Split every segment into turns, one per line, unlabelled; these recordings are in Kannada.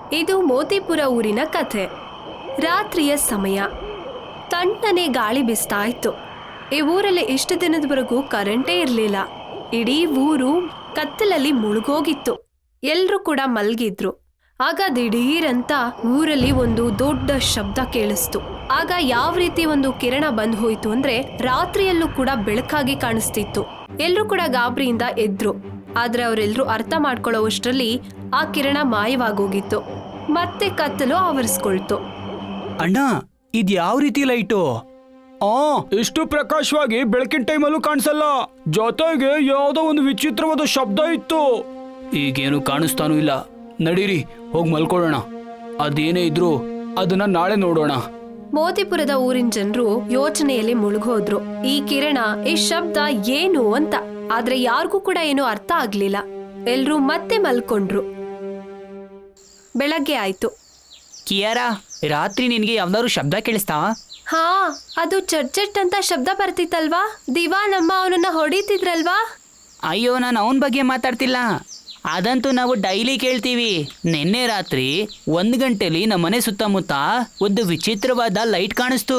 ಇದು ಮೋತಿಪುರ ಊರಿನ ಕಥೆ. ರಾತ್ರಿಯ ಸಮಯ. ತಣ್ಣನೆ ಗಾಳಿ ಬೀಸ್ತಾ ಇತ್ತು. ಈ ಊರಲ್ಲಿ ಇಷ್ಟು ದಿನದವರೆಗೂ ಕರೆಂಟೇ ಇರಲಿಲ್ಲ. ಇಡೀ ಊರು ಕತ್ತಲಲ್ಲಿ ಮುಳುಗೋಗಿತ್ತು. ಎಲ್ರೂ ಕೂಡ ಮಲ್ಗಿದ್ರು. ಆಗ ದಿಢೀರಂತ ಊರಲ್ಲಿ ಒಂದು ದೊಡ್ಡ ಶಬ್ದ ಕೇಳಿಸ್ತು. ಆಗ ಯಾವ ರೀತಿ ಒಂದು ಕಿರಣ ಬಂದ್ ಹೋಯ್ತು ಅಂದ್ರೆ ರಾತ್ರಿಯಲ್ಲೂ ಕೂಡ ಬೆಳಕಾಗಿ ಕಾಣಿಸ್ತಿತ್ತು. ಎಲ್ರೂ ಕೂಡ ಗಾಬರಿಯಿಂದ ಎದ್ರು. ಆದ್ರೆ ಅವರೆಲ್ಲರೂ ಅರ್ಥ ಮಾಡ್ಕೊಳ್ಳೋವಷ್ಟರಲ್ಲಿ ಆ ಕಿರಣ ಮಾಯವಾಗೋಗಿತ್ತು. ಮತ್ತೆ ಕತ್ತಲು ಆವರಿಸ್ಕೊಳ್ತು.
ಅಣ್ಣ, ಇದ್ ಯಾವ ರೀತಿ ಲೈಟು?
ಇಷ್ಟು ಪ್ರಕಾಶವಾಗಿ ಬೆಳಕಿನ ಟೈಮಲ್ಲೂ ಕಾಣಿಸಲ್ಲ. ಜೊತೆಗೆ ಯಾವುದೋ ಒಂದು ವಿಚಿತ್ರವಾದ ಶಬ್ದ ಇತ್ತು.
ಈಗೇನು ಕಾಣಿಸ್ತಾನೂ ಇಲ್ಲ. ನಡೀರಿ, ಹೋಗಿ ಮಲ್ಕೊಳ್ಳೋಣ. ಅದೇನೇ ಇದ್ರು ಅದನ್ನ ನಾಳೆ ನೋಡೋಣ.
ಮೋತಿಪುರದ ಊರಿನ ಜನರು ಯೋಚನೆಯಲ್ಲಿ ಮುಳುಗೋದ್ರು. ಈ ಕಿರಣ, ಈ ಶಬ್ದ ಏನು ಅಂತ. ಆದ್ರೆ ಯಾರಿಗೂ ಕೂಡ ಏನು ಅರ್ಥ ಆಗ್ಲಿಲ್ಲ. ಎಲ್ರೂ ಮತ್ತೆ ಮಲ್ಕೊಂಡ್ರು. ಬೆಳಗ್ಗೆ ಆಯ್ತು.
ಕಿಯಾರಾ, ರಾತ್ರಿ ನಿನ್ಗೆ ಯಾವ್ದಾದ್ರು ಶಬ್ದ ಕೇಳಿಸ್ತಾ?
ಹಾ, ಅದು ಚಟ್ ಅಂತ ಶಬ್ದ ಬರ್ತಿತ್ತಲ್ವಾ? ದಿವಾನಮ್ಮ ಅವನನ್ನ ಹೊಡಿತಿದ್ರಲ್ವಾ?
ಅಯ್ಯೋ, ನಾನು ಅವನ ಬಗ್ಗೆ ಮಾತಾಡ್ತಿಲ್ಲ. ಅದಂತೂ ನಾವು ಡೈಲಿ ಕೇಳ್ತೀವಿ. ನಿನ್ನೆ ರಾತ್ರಿ 1 ಗಂಟೆಲಿ ನಮ್ಮನೆ ಸುತ್ತಮುತ್ತ ಒಂದು ವಿಚಿತ್ರವಾದ ಲೈಟ್ ಕಾಣಿಸ್ತು.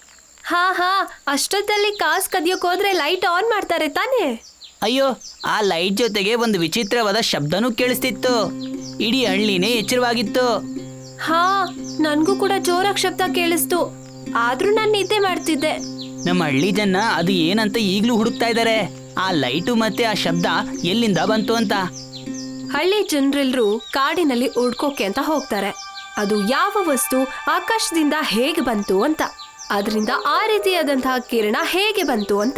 ಹಾ, ಅಷ್ಟೊತ್ತಲ್ಲಿ ಕಾಸ್ ಕದಿಯೋಕ್ ಹೋದ್ರೆ ಲೈಟ್ ಆನ್ ಮಾಡ್ತಾರೆ ತಾನೇ?
ಅಯ್ಯೋ, ಆ ಲೈಟ್ ಜೊತೆಗೆ ಒಂದು ವಿಚಿತ್ರವಾದ ಶಬ್ದನೂ ಕೇಳಿಸ್ತಿತ್ತು. ಇಡೀ ಹಳ್ಳಿನೇ ಎಚ್ಚರವಾಗಿತ್ತು.
ಹಾ, ನನ್ಗೂ ಕೂಡ ಜೋರಾಗಿ ಶಬ್ದ ಕೇಳಿಸ್ತು. ಆದ್ರೂ ನಾನು ನಿದ್ದೆ ಮಾಡ್ತಿದ್ದೆ.
ನಮ್ಮ ಹಳ್ಳಿ ಜನ ಅದು ಏನಂತ ಈಗ್ಲೂ ಹುಡುಕ್ತಾ ಇದ್ದಾರೆ. ಆ ಲೈಟು ಮತ್ತೆ ಆ ಶಬ್ದ ಎಲ್ಲಿಂದ ಬಂತು ಅಂತ.
ಹಳ್ಳಿ ಜನರೆಲ್ಲರೂ ಕಾಡಿನಲ್ಲಿ ಹುಡ್ಕೋಕೆ ಅಂತ ಹೋಗ್ತಾರೆ. ಅದು ಯಾವ ವಸ್ತು ಆಕಾಶದಿಂದ ಹೇಗೆ ಬಂತು ಅಂತ, ಅದರಿಂದ ಆ ರೀತಿಯಾದಂತಹ ಕಿರಣ ಹೇಗೆ ಬಂತು ಅಂತ.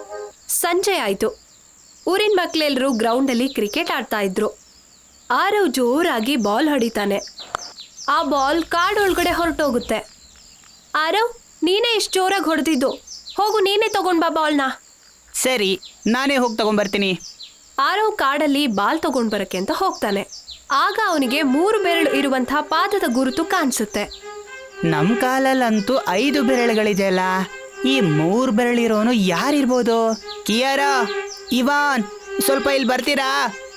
ಸಂಜೆ ಆಯ್ತು. ಊರಿನ ಮಕ್ಕಳೆಲ್ಲರೂ ಗ್ರೌಂಡಲ್ಲಿ ಕ್ರಿಕೆಟ್ ಆಡ್ತಾ ಇದ್ರು. ಆರವ್ ಜೋರಾಗಿ ಬಾಲ್ ಹೊಡಿತಾನೆ. ಆ ಬಾಲ್ ಕಾಡೊಳಗಡೆ ಹೊರಟೋಗುತ್ತೆ. ಆರವ್, ನೀನೇ ಇಷ್ಟು ಜೋರಾಗಿ ಹೊಡೆದಿದ್ದು. ಹೋಗು, ನೀನೇ ತಗೊಂಡ್ ಬಾ ಬಾಲ್ನ.
ಸರಿ, ನಾನೇ ಹೋಗಿ ತಗೊಂಡ್ಬರ್ತೀನಿ.
ಆರವ್ ಕಾಡಲ್ಲಿ ಬಾಲ್ ತಗೊಂಡ್ ಬರಕ್ಕೆ ಅಂತ ಹೋಗ್ತಾನೆ. ಆಗ ಅವನಿಗೆ 3 ಬೆರಳು ಇರುವಂತಹ ಪಾದದ ಗುರುತು ಕಾಣಿಸುತ್ತೆ.
ನಮ್ಮ ಕಾಲಲ್ಲಂತೂ 5 ಬೆರಳುಗಳಿದೆಯಲ್ಲ. ಈ 3 ಬೆರಳಿರೋನು ಯಾರಿರ್ಬೋದು? ಕಿಯಾರಾ, ಇವಾನ್, ಸ್ವಲ್ಪ ಇಲ್ಲಿ ಬರ್ತೀರಾ?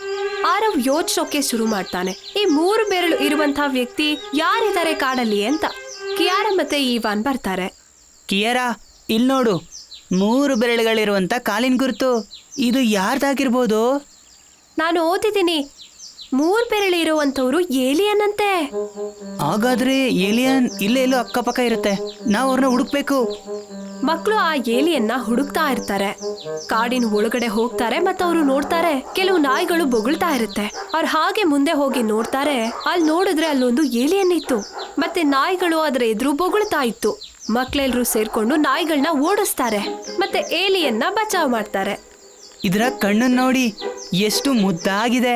ಆರವ್ ಯೋಚಿಸೋಕೆ ಶುರು ಮಾಡ್ತಾನೆ. ಈ 3 ಬೆರಳು ಇರುವಂತಹ ವ್ಯಕ್ತಿ ಯಾರಿದ್ದಾರೆ ಕಾಡಲ್ಲಿ ಅಂತ. ಕಿಯಾರಾ ಮತ್ತೆ ಇವಾನ್ ಬರ್ತಾರೆ.
ಕಿಯಾರಾ, ಇಲ್ಲಿ ನೋಡು, 3 ಬೆರಳುಗಳಿರುವಂತ ಕಾಲಿನ ಗುರುತು. ಇದು ಯಾರ್ದಾಗಿರ್ಬೋದು?
ನಾನು ಓದಿದ್ದೀನಿ, 3 ಬೆರಳು ಇರುವಂತವ್ರು ಏಲಿಯನ್ ಅಂತೆ.
ಹಾಗಾದ್ರೆ ಏಲಿಯನ್ ಇಲ್ಲೇ ಎಲ್ಲೋ ಅಕ್ಕಪಕ್ಕ ಇರುತ್ತೆ. ನಾವು ಅವ್ರನ್ನ ಹುಡುಕ್ಬೇಕು.
ಮಕ್ಕಳು ಆ ಏಲಿಯನ್ನ ಹುಡುಕ್ತಾ ಇರ್ತಾರೆ. ಕಾಡಿನ ಒಳಗಡೆ ಹೋಗ್ತಾರೆ ಮತ್ತೆ ಅವರು ನೋಡ್ತಾರೆ, ಕೆಲವು ನಾಯಿಗಳು ಬೊಗಳ್ತಾ ಇರುತ್ತೆ. ಅವ್ರು ಹಾಗೆ ಮುಂದೆ ಹೋಗಿ ನೋಡ್ತಾರೆ. ಅಲ್ಲಿ ನೋಡಿದ್ರೆ ಅಲ್ಲೊಂದು ಏಲಿಯನ್ ಇತ್ತು. ಮತ್ತೆ ನಾಯಿಗಳು ಅದರ ಎದುರು ಬೊಗಳ್ತಾ ಇತ್ತು. ಮಕ್ಕಳೆಲ್ಲರೂ ಸೇರ್ಕೊಂಡು ನಾಯಿಗಳನ್ನ ಓಡಿಸ್ತಾರೆ ಮತ್ತೆ ಏಲಿಯನ್ನ ಬಚಾವ್ ಮಾಡ್ತಾರೆ.
ಇದರ ಕಣ್ಣನ್ನು ನೋಡಿ, ಎಷ್ಟು ಮುದ್ದಾಗಿದೆ.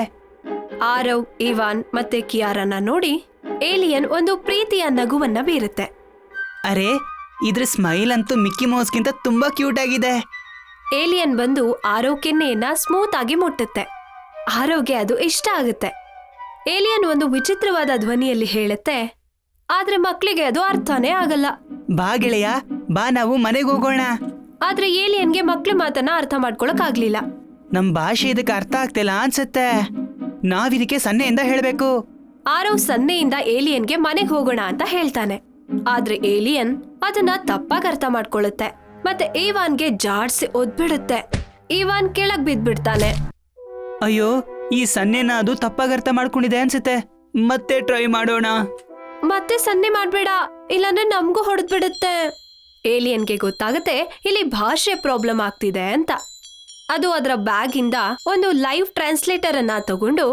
ಆರವ್, ಇವಾನ್ ಮತ್ತೆ ಕಿಯಾರನ್ನ ನೋಡಿ ಏಲಿಯನ್ ಒಂದು ಪ್ರೀತಿಯ ನಗುವನ್ನ ಬೀರುತ್ತೆ.
ಅರೆ, ಇದ್ರ ಸ್ಮೈಲ್ ಅಂತೂ ಮಿಕ್ಕಿ ಮೌಸ್ಗಿಂತ ತುಂಬಾ ಕ್ಯೂಟ್ ಆಗಿದೆ.
ಏಲಿಯನ್ ಬಂದು ಆರವ್ ಕೆನ್ನೆಯನ್ನ ಸ್ಮೂತ್ ಆಗಿ ಮುಟ್ಟುತ್ತೆ. ಆರವ್ಗೆ ಅದು ಇಷ್ಟ ಆಗುತ್ತೆ. ಏಲಿಯನ್ ಒಂದು ವಿಚಿತ್ರವಾದ ಧ್ವನಿಯಲ್ಲಿ ಹೇಳುತ್ತೆ, ಆದ್ರೆ ಮಕ್ಕಳಿಗೆ ಅದು ಅರ್ಥನೇ ಆಗಲ್ಲ.
ಬಾ ಗೆಳೆಯ, ಬಾ, ನಾವು ಮನೆಗೆ ಹೋಗೋಣ.
ಆದ್ರೆ ಏಲಿಯನ್ಗೆ ಮಕ್ಳ ಮಾತನ್ನ ಅರ್ಥ ಮಾಡ್ಕೊಳಕ್ ಆಗ್ಲಿಲ್ಲ.
ನಮ್ ಭಾಷೆ ಇದಕ್ಕೆ ಅರ್ಥ ಆಗ್ತಿಲ್ಲ ಅನ್ಸುತ್ತೆ. ನಾವಿದಕ್ಕೆ ಸನ್ನೆಯಿಂದ ಹೇಳ್ಬೇಕು.
ಆರವ್ ಸನ್ನೆಯಿಂದ ಏಲಿಯನ್ಗೆ ಮನೆಗೆ ಹೋಗೋಣ ಅಂತ ಹೇಳ್ತಾನೆ. ಆದ್ರೆ ಏಲಿಯನ್ ಅದನ್ನ ತಪ್ಪಾಗಿ ಅರ್ಥ ಮಾಡ್ಕೊಳ್ಳುತ್ತೆ ಮತ್ತೆ ಇವಾನ್ಗೆ ಜಾಡ್ಸಿ ಒದ್ಬಿಡುತ್ತೆ. ಇವಾನ್ ಕೆಳಗ್ ಬಿದ್ಬಿಡ್ತಾನೆ.
ಅಯ್ಯೋ, ಈ ಸನ್ನೆನ ಅದು ತಪ್ಪಾಗಿ ಅರ್ಥ ಮಾಡ್ಕೊಂಡಿದೆ ಅನ್ಸುತ್ತೆ. ಮತ್ತೆ ಟ್ರೈ ಮಾಡೋಣ.
ಮತ್ತೆ ಸನ್ನೆ ಮಾಡ್ಬೇಡ, ಇಲ್ಲಾಂದ್ರೆ ನಮ್ಗೂ ಹೊಡೆದ್ಬಿಡುತ್ತೆ. ಏಲಿಯನ್ಗೆ ಗೊತ್ತಾಗುತ್ತೆ ಇಲ್ಲಿ ಭಾಷೆ ಪ್ರಾಬ್ಲಮ್ ಆಗ್ತಿದೆ ಅಂತ. ಅದು ಅದರ ಬ್ಯಾಗ್ ಇಂದ ಒಂದು ಲೈವ್ ಟ್ರಾನ್ಸ್ಲೇಟರ್ ಅನ್ನ ತಗೊಂಡು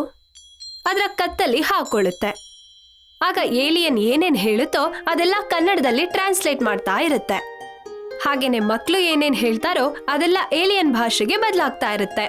ಅದರ ಕತ್ತಲ್ಲಿ ಹಾಕೊಳ್ಳುತ್ತೆ. ಆಗ ಏಲಿಯನ್ ಏನೇನ್ ಹೇಳುತ್ತೋ ಅದೆಲ್ಲ ಕನ್ನಡದಲ್ಲಿ ಟ್ರಾನ್ಸ್ಲೇಟ್ ಮಾಡ್ತಾ ಇರುತ್ತೆ. ಹಾಗೇನೆ ಮಕ್ಕಳು ಏನೇನ್ ಹೇಳ್ತಾರೋ ಅದೆಲ್ಲ ಏಲಿಯನ್ ಭಾಷೆಗೆ ಬದಲಾಗ್ತಾ ಇರುತ್ತೆ.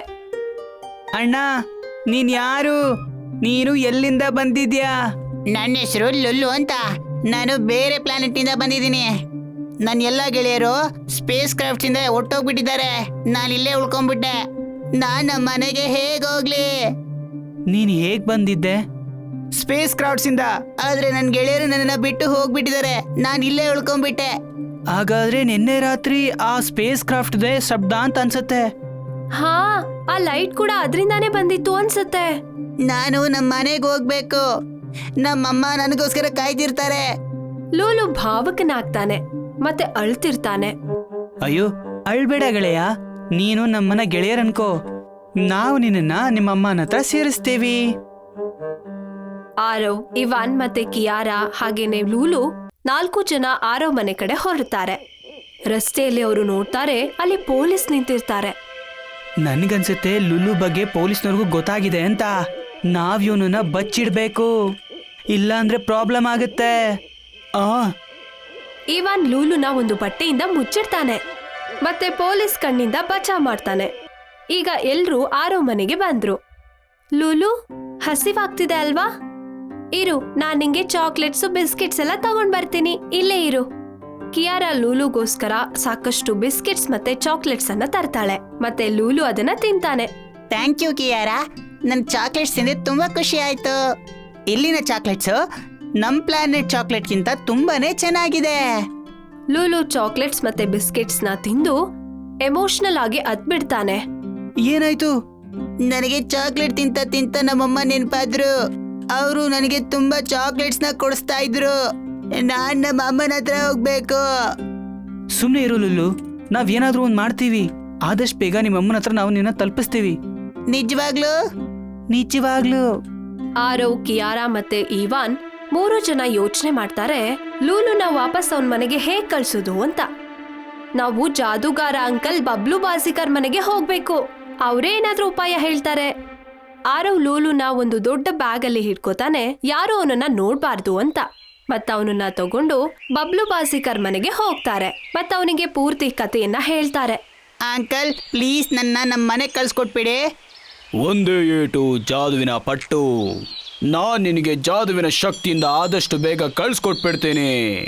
ಅಣ್ಣ, ನೀನ್ ಯಾರು? ನೀನು ಎಲ್ಲಿಂದ ಬಂದಿದ್ಯಾ?
ನನ್ನ ಹೆಸರು ಲುಲ್ಲು ಅಂತ. ನಾನು ಬೇರೆ ಪ್ಲಾನೆಟ್ ನಿಂದ ಬಂದಿದ್ದೀನಿ. ನನ್ನ ಎಲ್ಲ ಗೆಳೆಯರು ಸ್ಪೇಸ್ ಕ್ರಾಫ್ಟ್ ಇಂದ ಹೊಟ್ಟೋಗ್ಬಿಟ್ಟಿದ್ದಾರೆ. ನಾನು ಇಲ್ಲೇ ಉಳ್ಕೊಂಡ್ಬಿಟ್ಟೆ. ನಾನು ನಮ್ಮ ಮನೆಗೆ ಹೇಗೆ ಹೋಗ್ಲಿ?
ನೀನ್ ಹೇಗ್ ಬಂದಿದ್ದೆ?
ಸ್ಪೇಸ್ ಕ್ರಾಫ್ಟ್ಸ್ ಇಂದ. ಆದ್ರೆ ನನ್ನ ಗೆಳೆಯರು ನನ್ನನ್ನ ಬಿಟ್ಟು ಹೋಗ್ಬಿಟ್ಟಿದ್ದಾರೆ. ನಾನು ಇಲ್ಲೇ ಉಳ್ಕೊಂಡ್ಬಿಟ್ಟೆ.
ಹಾಗಾದ್ರೆ ನಿನ್ನೆ ರಾತ್ರಿ ಆ ಸ್ಪೇಸ್ ಕ್ರಾಫ್ಟ್ದೇ ಶಬ್ದ ಅಂತ ಅನ್ಸುತ್ತೆ.
ಹಾ, ಆ ಲೈಟ್ ಕೂಡ ಅದರಿಂದಾನೇ ಬಂದಿತ್ತು ಅನ್ಸುತ್ತೆ.
ನಾನು ನಮ್ಮ ಮನೆಗೆ ಹೋಗ್ಬೇಕು. ನಮ್ಮಮ್ಮ ನನಗೋಸ್ಕರ ಕಾಯ್ದಿರ್ತಾರೆ.
ಲೂಲು ಭಾವಕನಾಗ್ತಾನೆ ಮತ್ತೆ ಅಳ್ತಿರ್ತಾನೆ.
ಅಯ್ಯೋ ಅಳ್ಬೇಡ ಗೆಳೆಯ, ನೀನು ನಮ್ಮನ್ನ ಗೆಳೆಯರನ್ಕೋ. ನಾವು ನಿನ್ನ ನಿಮ್ಮಮ್ಮನ ಹತ್ರ ಸೇರಿಸ್ತೀವಿ.
ಆರವ್, ಇವಾನ್ ಮತ್ತೆ ಕಿಯಾರಾ ಹಾಗೇನೆ ಲೂಲು 4 ಜನ ಆರವ್ ಮನೆ ಕಡೆ ಹೊರಡ್ತಾರೆ. ರಸ್ತೆಯಲ್ಲಿ ಅವರು ನೋಡ್ತಾರೆ, ಅಲ್ಲಿ ಪೊಲೀಸ್ ನಿಂತಿರ್ತಾರೆ.
ನನ್ಗನ್ಸುತ್ತೆ ಲುಲು ಬಗ್ಗೆ ಪೊಲೀಸ್ನವ್ರಿಗೂ ಗೊತ್ತಾಗಿದೆ ಅಂತ. ನಾವ್ ಇವನನ್ನ ಬಚ್ಚಿಡ್ಬೇಕು, ಇಲ್ಲಾಂದ್ರೆ ಪ್ರಾಬ್ಲಮ್ ಆಗುತ್ತೆ.
ಇವಾನ್ ಲೂಲುನ ಒಂದು ಬಟ್ಟೆಯಿಂದ ಮುಚ್ಚಿಡ್ತಾನೆ ಮತ್ತೆ ಪೊಲೀಸ್ ಕಣ್ಣಿಂದ ಬಚಾವ್ ಮಾಡ್ತಾನೆ. ಈಗ ಎಲ್ರೂ ಆರವ್ ಮನೆಗೆ ಬಂದ್ರು. ಲೂಲು, ಹಸಿವಾಗ್ತಿದೆ ಅಲ್ವಾ? ಇರು, ನಾನ್ ನಿಂಗೆ ಚಾಕ್ಲೇಟ್ಸು ಬಿಸ್ಕೆಟ್ಸ್ ಎಲ್ಲ ತಗೊಂಡ್ ಬರ್ತೀನಿ, ಇಲ್ಲೇ ಇರು. ಕಿಯಾರಾ ಲೂಲುಗೋಸ್ಕರ ಸಾಕಷ್ಟು ಬಿಸ್ಕೆಟ್ಸ್ ಮತ್ತೆ ಚಾಕ್ಲೇಟ್ಸ್ ಅನ್ನ ತರ್ತಾಳೆ ಮತ್ತೆ ಲೂಲು ಅದನ್ನ ತಿಂತಾನೆ.
ಥ್ಯಾಂಕ್ ಯು ಕಿಯಾರಾ, ನನ್ ಚಾಕ್ಲೇಟ್ಸ್ ತಿಂದ್ರೆ ತುಂಬಾ ಖುಷಿ ಆಯ್ತು. ಇಲ್ಲಿನ ಚಾಕ್ಲೇಟ್ಸ್ ನಮ್ ಪ್ಲಾನೆಟ್ ಚಾಕ್ಲೇಟ್ಗಿಂತ ತುಂಬಾನೇ ಚೆನ್ನಾಗಿದೆ.
ಲೂಲು ಚಾಕ್ಲೇಟ್ಸ್ ಮತ್ತೆ ಬಿಸ್ಕೆಟ್ಸ್ ನ ತಿಂದು ಎಮೋಷನಲ್ ಆಗಿ ಅದ್ಬಿಡ್ತಾನೆ.
ಏನಾಯ್ತು?
ನನಗೆ ಚಾಕ್ಲೇಟ್ ತಿಂತ ತಿಂತ ನಮ್ಮಮ್ಮ ನೆನ್ಪಾದ್ರು. ಅವರು ನನಗೆ ತುಂಬಾ ಚಾಕ್ಲೇಟ್ಸ್ ನ ಕೊಡಿಸ್ತಾ ಇದ್ರು. ನಾನ್ ನಮ್ಮ ಅಮ್ಮನ ಹತ್ರ ಹೋಗ್ಬೇಕು.
ಸುಮ್ನೆ ಇರು ಲುಲ್ಲು, ನಾವ್ ಏನಾದ್ರೂ ಒಂದ್ ಮಾಡ್ತೀವಿ. ಆದಷ್ಟು ಬೇಗ ನಿಮ್ಮಮ್ಮನ ಹತ್ರ ನಾವು ನಿನ್ನ ತಲುಪಿಸ್ತೀವಿ.
ನಿಜವಾಗ್ಲೂ?
ನಿಜವಾಗ್ಲೂ.
ಆರವ್, ಕಿಯಾರಾ ಮತ್ತೆ ಇವಾನ್ 3 ಜನ ಯೋಚನೆ ಮಾಡ್ತಾರೆ, ಲೂಲುನ ವಾಪಸ್ ಅವನ್ ಮನೆಗೆ ಹೇಗ್ ಕಳ್ಸೋದು ಅಂತ. ನಾವು ಜಾದೂಗಾರ ಅಂಕಲ್ ಬಬ್ಲು ಬಾಜಿಕರ್ ಮನೆಗೆ ಹೋಗ್ಬೇಕು, ಅವರೇ ಏನಾದ್ರೂ ಉಪಾಯ ಹೇಳ್ತಾರೆ. ಆರವ್ ಲೂಲುನ ಒಂದು ದೊಡ್ಡ ಬ್ಯಾಗ್ ಅಲ್ಲಿ ಹಿಡ್ಕೋತಾನೆ, ಯಾರು ಅವನನ್ನ ನೋಡ್ಬಾರ್ದು ಅಂತ. ಮತ್ತ ಅವನನ್ನ ತಗೊಂಡು ಬಬ್ಲು ಬಾಜಿಕರ್ ಮನೆಗೆ ಹೋಗ್ತಾರೆ ಮತ್ತ ಅವನಿಗೆ ಪೂರ್ತಿ ಕಥೆಯನ್ನ ಹೇಳ್ತಾರೆ.
ಅಂಕಲ್ ಪ್ಲೀಸ್ ನನ್ನ ನಮ್ಮ ಮನೆಗೆ ಕಳ್ಸ್ಕೊಟ್ಬಿಡಿ.
ಒಂದೇ ಏಟು ಜಾದುವಿನ ಪಟ್ಟು. ನಾನ್ ನಿನಗೆ ಜಾದುವಿನ ಶಕ್ತಿಯಿಂದ ಆದಷ್ಟು ಬೇಗ ಕಳ್ಸ್ಕೊಟ್ಬಿಡ್ತೇನೆ.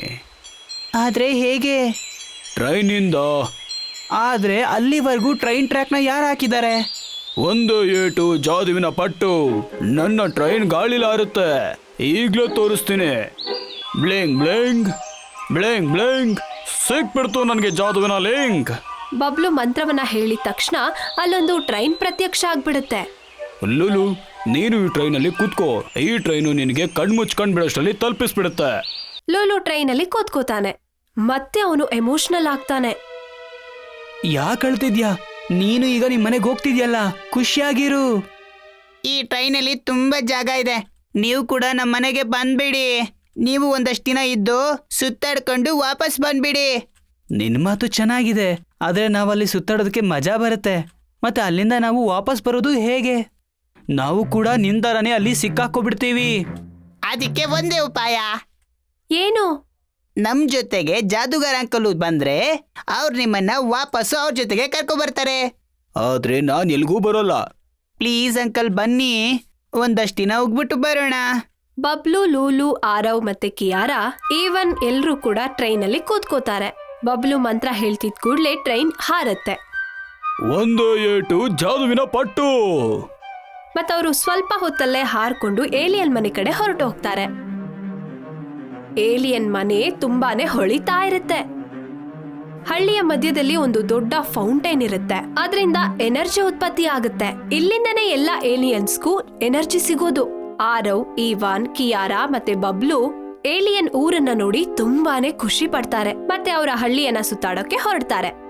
ಆದ್ರೆ ಹೇಗೆ?
ಟ್ರೈನಿಂದ.
ಆದ್ರೆ ಅಲ್ಲಿವರೆಗೂ ಟ್ರೈನ್ ಟ್ರ್ಯಾಕ್ನ ಯಾರು ಹಾಕಿದ್ದಾರೆ?
ಒಂದು ಏಟು ಜಾದುವಿನ ಪಟ್ಟು. ನನ್ನ ಟ್ರೈನ್ ಗಾಳಿಲಾರುತ್ತೆ. ಈಗ್ಲೂ ತೋರಿಸ್ತೀನಿ. Bling bling bling bling. ಸಿಕ್ಬಿಡ್ತು ನನಗೆ ಜಾದುವಿನ ಲಿಂಕ್.
ಬಬ್ಲು ಮಂತ್ರವನ್ನ ಹೇಳಿದ ತಕ್ಷಣ ಅಲ್ಲೊಂದು ಟ್ರೈನ್ ಪ್ರತ್ಯಕ್ಷ ಆಗ್ಬಿಡುತ್ತೆ.
ಲುಲು, ನೀನು ಈ ಟ್ರೈನಲ್ಲಿ ಕೂತ್ಕೋ. ಈ ಟ್ರೈನು ನಿನಗೆ ಕಣ್ಮುಚ್ಕೊಂಡ್ ಬಿಡೋಷ್ಟರಲ್ಲಿ ತಲುಪಿಸ್ಬಿಡುತ್ತೆ.
ಲೂಲು ಟ್ರೈನಲ್ಲಿ ಕೂತ್ಕೋತಾನೆ ಮತ್ತೆ ಅವನು ಎಮೋಷನಲ್ ಆಗ್ತಾನೆ.
ಯಾಕೆ ಅಳ್ತಿದ್ಯಾ? ನೀನು ಈಗ ನಿಮ್ ಮನೆಗೆ ಹೋಗ್ತಿದ್ಯಲ್ಲ, ಖುಷಿಯಾಗಿರು.
ಈ ಟ್ರೈನಲ್ಲಿ ತುಂಬಾ ಜಾಗ ಇದೆ. ನೀವು ಕೂಡ ನಮ್ಮ ಮನೆಗೆ ಬಂದ್ಬಿಡಿ. ನೀವು ಒಂದಷ್ಟು ದಿನ ಇದ್ದು ಸುತ್ತಾಡ್ಕೊಂಡು ವಾಪಸ್ ಬಂದ್ಬಿಡಿ.
ನಿನ್ ಮಾತು ಚೆನ್ನಾಗಿದೆ, ಆದ್ರೆ ನಾವಲ್ಲಿ ಸುತ್ತಾಡೋದಕ್ಕೆ ಮಜಾ ಬರುತ್ತೆ. ಮತ್ತೆ ಅಲ್ಲಿಂದ ನಾವು ವಾಪಸ್ ಬರೋದು ಹೇಗೆ? ನಾವು ಕೂಡ ನಿಂತರನೇ ಅಲ್ಲಿ ಸಿಕ್ಕಾಕೋಬಿಡ್ತೀವಿ.
ಅದಕ್ಕೆ ಒಂದೇ ಉಪಾಯ.
ಏನು?
ನಮ್ ಜೊತೆಗೆ ಜಾದೂಗಾರ ಅಂಕಲ್ ಬಂದ್ರೆ ಅವ್ರು ನಿಮ್ಮನ್ನ ವಾಪಸ್ಸು ಅವ್ರ ಜೊತೆಗೆ ಕರ್ಕೊ ಬರ್ತಾರೆ.
ಆದ್ರೆ ನಾನ್ ಎಲ್ಗೂ ಬರೋಲ್ಲ.
ಪ್ಲೀಸ್ ಅಂಕಲ್ ಬನ್ನಿ, ಒಂದಷ್ಟು ದಿನ ಹೋಗ್ಬಿಟ್ಟು ಬರೋಣ.
ಬಬ್ಲು, ಲೂಲು, ಆರವ್ ಮತ್ತೆ ಕಿಯಾರಾ, ಈವನ್ ಎಲ್ರೂ ಕೂಡ ಟ್ರೈನಲ್ಲಿ ಕೂತ್ಕೋತಾರೆ. ಬಬ್ಲು ಮಂತ್ರ ಹೇಳ್ತಿದ್ ಕೂಡ್ಲೆ ಟ್ರೈನ್ ಹಾರತ್ತೆ.
ಒಂದು ಏಟು ಜಾದುವಿನ ಪಟ್ಟು.
ಮತ್ತವರು ಸ್ವಲ್ಪ ಹೊತ್ತಲ್ಲೇ ಹಾರ್ಕೊಂಡು ಏಲಿಯನ್ ಮನೆ ಕಡೆ ಹೊರಟು ಹೋಗ್ತಾರೆ. ಏಲಿಯನ್ ಮನೆ ತುಂಬಾನೇ ಹೊಳಿತಾ ಇರುತ್ತೆ. ಹಳ್ಳಿಯ ಮಧ್ಯದಲ್ಲಿ ಒಂದು ದೊಡ್ಡ ಫೌಂಟೈನ್ ಇರುತ್ತೆ. ಅದರಿಂದ ಎನರ್ಜಿ ಉತ್ಪತ್ತಿ ಆಗುತ್ತೆ. ಇಲ್ಲಿಂದನೇ ಎಲ್ಲ ಏಲಿಯನ್ಸ್ಗೂ ಎನರ್ಜಿ ಸಿಗೋದು. ಆರವ್, ಈವಾನ್, ಕಿಯಾರಾ ಮತ್ತೆ ಬಬ್ಲು ಏಲಿಯನ್ ಊರನ್ನ ನೋಡಿ ತುಂಬಾನೇ ಖುಷಿ ಪಡ್ತಾರೆ ಮತ್ತೆ ಅವರ ಹಳ್ಳಿಯನ್ನ ಸುತ್ತಾಡೋಕೆ ಹೊರಡ್ತಾರೆ.